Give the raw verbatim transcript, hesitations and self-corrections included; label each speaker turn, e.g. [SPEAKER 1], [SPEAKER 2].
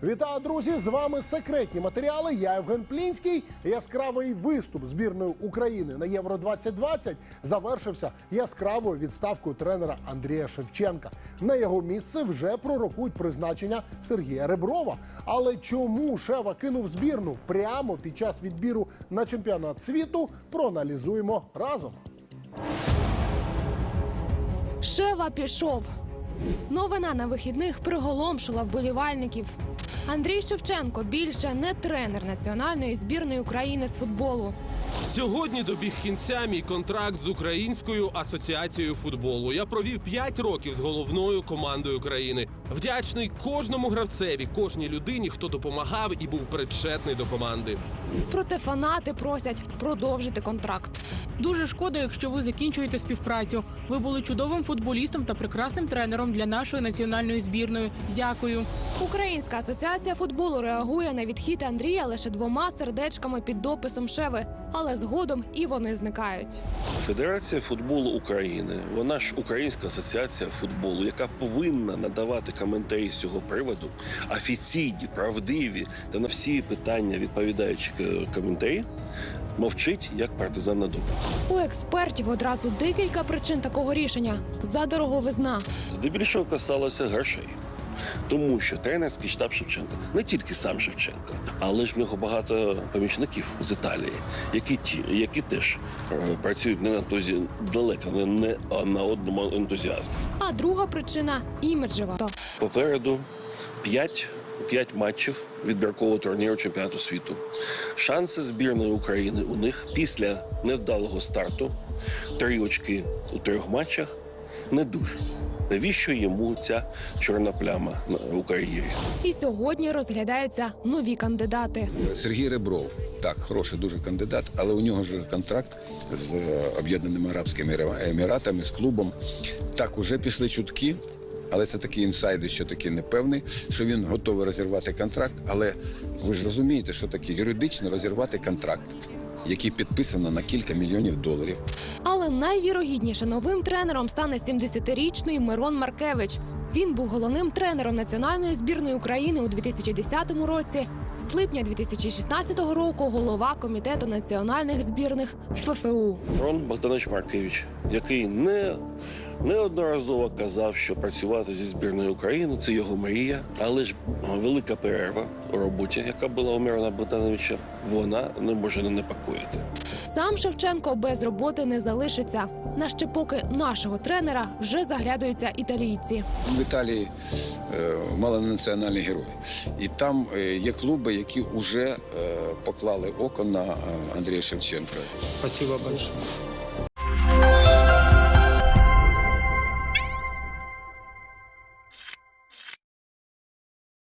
[SPEAKER 1] Вітаю, друзі! З вами секретні матеріали. Я Євген Плінський. Яскравий виступ збірної України на Євро двадцять двадцять завершився яскравою відставкою тренера Андрія Шевченка. На його місце вже пророкують призначення Сергія Реброва. Але чому Шева кинув збірну прямо під час відбіру на чемпіонат світу, проаналізуємо разом.
[SPEAKER 2] Шева пішов. Новина на вихідних приголомшила вболівальників. Андрій Шевченко більше не тренер національної збірної України з футболу.
[SPEAKER 3] Сьогодні добіг кінця мій контракт з Українською асоціацією футболу. Я провів п'ять років з головною командою країни. Вдячний кожному гравцеві, кожній людині, хто допомагав і був причетний до команди.
[SPEAKER 2] Проте фанати просять продовжити контракт.
[SPEAKER 4] Дуже шкода, якщо ви закінчуєте співпрацю. Ви були чудовим футболістом та прекрасним тренером для нашої національної збірної. Дякую.
[SPEAKER 2] Українська асоціація футболу реагує на відхід Андрія лише двома сердечками під дописом Шеви. Але згодом і вони зникають.
[SPEAKER 5] Федерація футболу України, вона ж Українська асоціація футболу, яка повинна надавати коментарі з цього приводу, офіційні, правдиві та на всі питання відповідаючі коментарі, мовчить, як партизан на дубі.
[SPEAKER 2] У експертів одразу декілька причин такого рішення. Задороговизна.
[SPEAKER 5] Здебільшого касалося грошей. Тому що тренерський штаб Шевченка, не тільки сам Шевченко, але ж в нього багато помічників з Італії, які, ті, які теж е, працюють не на тозі, далеко не, не на одному ентузіазмі.
[SPEAKER 2] А друга причина – іміджева.
[SPEAKER 5] Попереду п'ять, п'ять матчів відбіркового турніру чемпіонату світу. Шанси збірної України у них після невдалого старту, три очки у трьох матчах, не дуже. Навіщо йому ця чорна пляма у кар'єрі?
[SPEAKER 2] І сьогодні розглядаються нові кандидати.
[SPEAKER 6] Сергій Ребров. Так, хороший дуже кандидат, але у нього ж контракт з Об'єднаними Арабськими Еміратами, з клубом. Так, уже пішли чутки, але це такі інсайди, що таки непевний, що він готовий розірвати контракт. Але ви ж розумієте, що таке юридично розірвати контракт, який підписано на кілька мільйонів доларів.
[SPEAKER 2] Але найвірогідніше новим тренером стане сімдесятирічний Мирон Маркевич. Він був головним тренером національної збірної України у дві тисячі десятому році. З липня дві тисячі шістнадцятого року голова комітету національних збірних ФФУ.
[SPEAKER 5] Мирон Богданович Маркевич, який не, неодноразово казав, що працювати зі збірною України – це його мрія, але ж велика перерва у роботі, яка була у Мирона Богдановича, вона не може не непокоїти.
[SPEAKER 2] Сам Шевченко без роботи не залишиться. На ще поки нашого тренера вже заглядаються італійці.
[SPEAKER 6] В Італії е, малонаціональні герої. І там е, є клуби, які вже е, поклали око на е, Андрія Шевченка.
[SPEAKER 7] Спасибо большое.